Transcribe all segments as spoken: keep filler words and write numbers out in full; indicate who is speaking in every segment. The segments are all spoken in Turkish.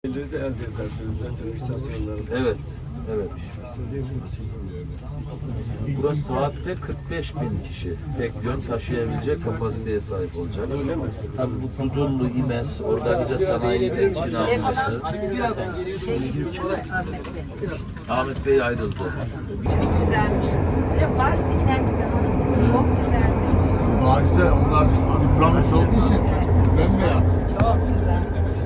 Speaker 1: de elde edersiniz sertifikasyonları.
Speaker 2: Evet, evet. Burası saatte kırk beş bin kişi tek yön taşıyabilecek kapasiteye sahip olacak.
Speaker 1: Öyle mi?
Speaker 2: Tabii bu Dudullu, İmes, organize sanayi temsil amcası. Ahmet Bey ayrıldı.
Speaker 3: Güzelmiş. Böyle Paris'tekiler gibi anlattım. Çok güzelmiş.
Speaker 4: Paris'e onlar yıpranmış olduğu için bembeyaz.
Speaker 3: Çok güzel.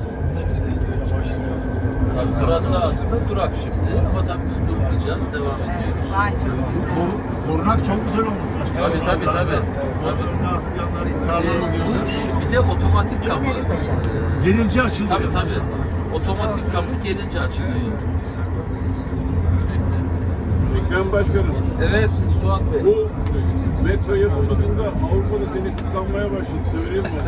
Speaker 2: Tabii burası aslında durak şimdi ama tabii biz durmayacağız, devam ediyoruz.
Speaker 3: Vay çok güzel.
Speaker 4: Kor, korunak çok güzel olmuş başkanım.
Speaker 2: Tabii tabii tabii.
Speaker 4: Motorlar, yanlar, intiharlar oluyor.
Speaker 2: Bir de otomatik kapı.
Speaker 4: Gelince açılıyor.
Speaker 2: Tabii tabii. Otomatik kapı gelince açılıyor.
Speaker 5: Ekrem Başkanım,
Speaker 2: Evet Suat Bey.
Speaker 5: bu metro yapılmasında Avrupa'da seni kıskanmaya başladı, söyleyeyim mi?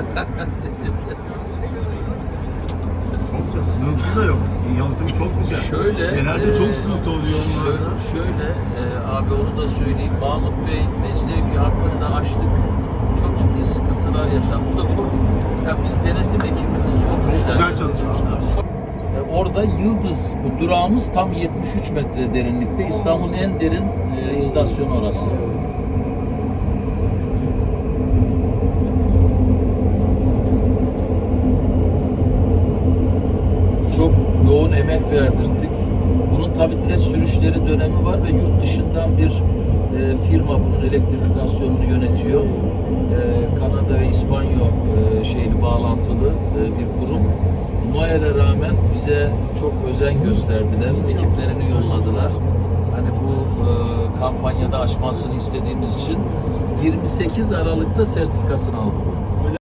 Speaker 4: Çok güzel. Sızıntı da yok. Yalıtım çok güzel.
Speaker 2: Şöyle,
Speaker 4: Genelde
Speaker 2: e,
Speaker 4: çok sızıntı oluyor onlarda.
Speaker 2: Şöyle, şöyle e, abi onu da söyleyeyim. Mahmut Bey Mecidiyeköy hattında açtık. Çok ciddi sıkıntılar yaşadık. Bu da çok, ya biz denetim ekibimiz çok,
Speaker 4: Çok
Speaker 2: güçlendik.
Speaker 4: güzel çalışmışlar.
Speaker 2: Çok- e, Orada Yıldız bu durağımız tam yetmiş üç metre derinlikte. İstanbul'un en derin e, istasyonu orası. Çok yoğun emek verdirttik. Bunun tabi test sürüşleri dönemi var ve yurt dışından bir e, firma bunun elektrifikasyonunu yönetiyor. E, Kanada ve İspanya e, şeyli bağlantılı e, bir kurum. Noel'e rağmen bize çok özen gösterdiler. Ekiplerini yolladılar. Hani bu e, kampanyada açmasını istediğimiz için yirmi sekiz Aralık'ta sertifikasını aldı bu.